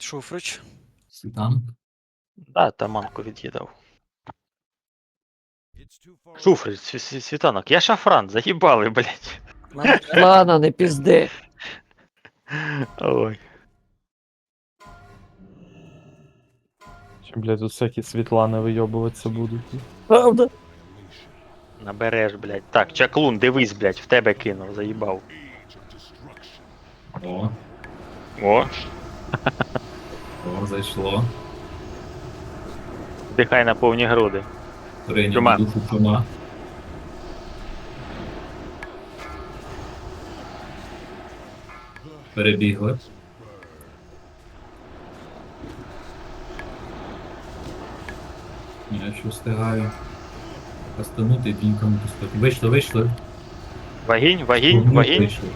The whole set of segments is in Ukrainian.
Шуфрич. Там. Да, таманку від'їдав. Шуфрич, світанок, я шафран, заїбали, блядь. Ладно, не пізди. Ой. Чи, блядь, тут всякі Світлани вийобуватися будуть. Правда? Набереш, блядь. Так, чаклун, дивись, блядь, в тебе кинув, заїбав. О, О, зайшло. дихай на повні груди. Прийняв Чума. духу чума. Перебігли. Я ще встигаю. Кастанути і піньками пустити. Вийшли. Вагінь, вагінь, Вогню вагінь. вийшли.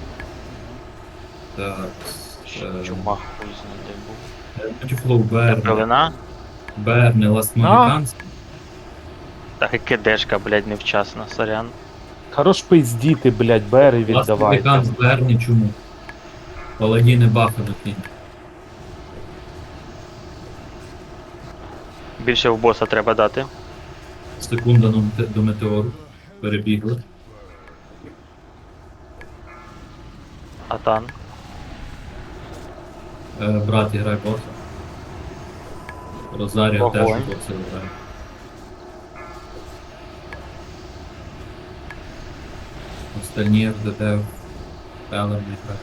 Так. Чума хуй знайде був. Мультифлоу Берне. Пелена. Берне, Last Mohicans. Так і кидешка, блядь, невчасно, сорян. Хорош пиздіти, блядь, бери Last віддавайте. Mohicans, Берне, чому? Паладіни бафануть він. Більше в боса треба дати. Секунда до метеору. Перебігли. Атан. Брат грає боса. Розаріо теж Вогонь. боса грає. Остальні РДД Елем не грає.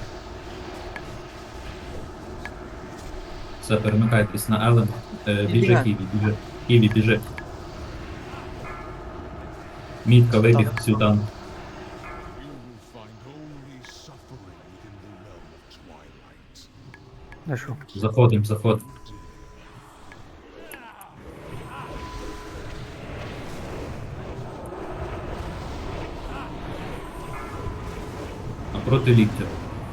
Все, перемикайтесь на Елем. Біжи Ківі, біжи. Мітка вибіг сюди. Заходим. Напроти ліктя.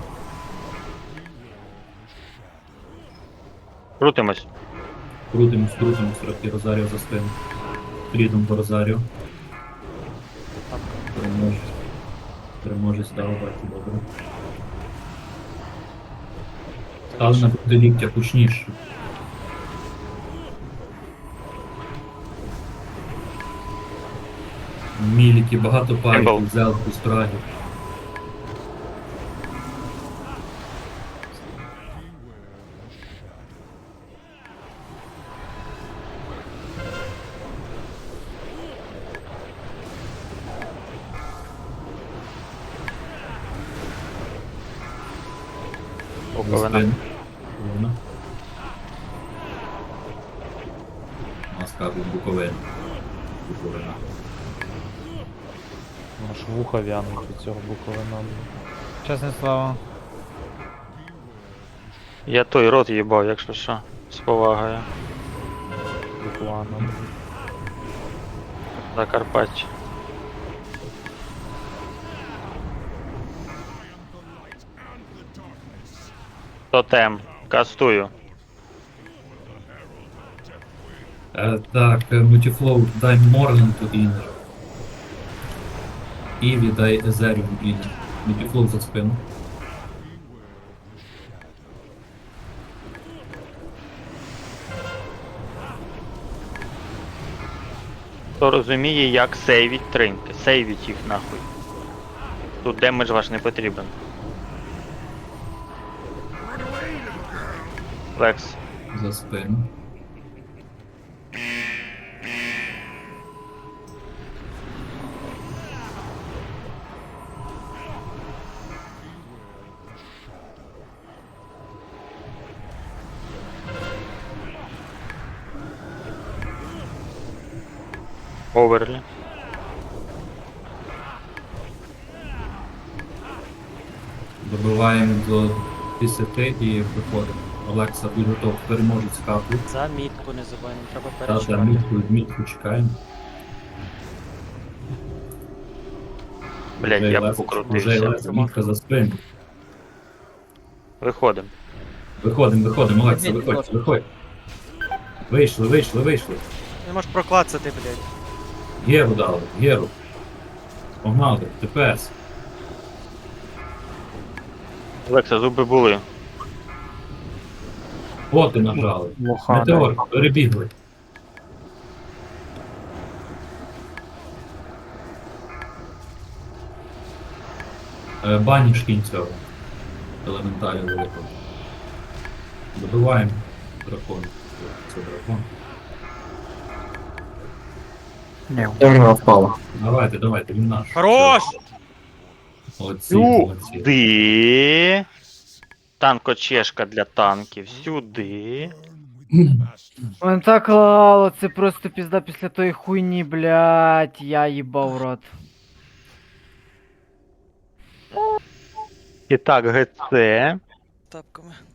Крутимось. Крутимось, трохи Розаріо за спину. Фрідом по Розаріо. Переможець дав, бачу, добре. Стали напроти ліктя, кучніше. Міліки, багато Ембл. парів, взяли по спрагі. Буковина. Буковина. Маска Буковина. Аж вуха вянуть від цього буковина. Чесне слово. Я той рот їбав, якщо що. З повагою. Буквально. Закарпаття. Тотем. Кастую. Так, Мультифлоу, дай Морленду інер. Іві дай Езеріум інер. Мультифлоу за спину. Хто розуміє, як сейвіть тринки. Сейвіть їх нахуй. Тут демедж ваш не потрібен. Лекс. За спину. Оверлі. Добиваємо до 10 і виходимо. Олекса, будь готов, переможуть скапу. За мітку не забуваємо, треба Та перечекати. мітку чекаємо. Блять, я б Вже покрутився. Олекса, мітка за спину. Виходимо. Виходимо, Олекса, виходь. Вийшли. Не можеш проклацати, блядь. Геру дали, Геру. Погнали, тепер. Лекса, зуби були. Боти нажали. Лохани. Метеор, перебігли. Баніш кінь цього. Елементарі великого. Добиваємо дракон. Це дракон. Дерево впало. Давайте, він наш. Хорош! Молодці, молодці. Сюди. Танкочешка для танків. Сюди. Он так лало, це просто пізда після тої хуйні, блядь, я їбав в рот. І так, ГЦ. Тапками.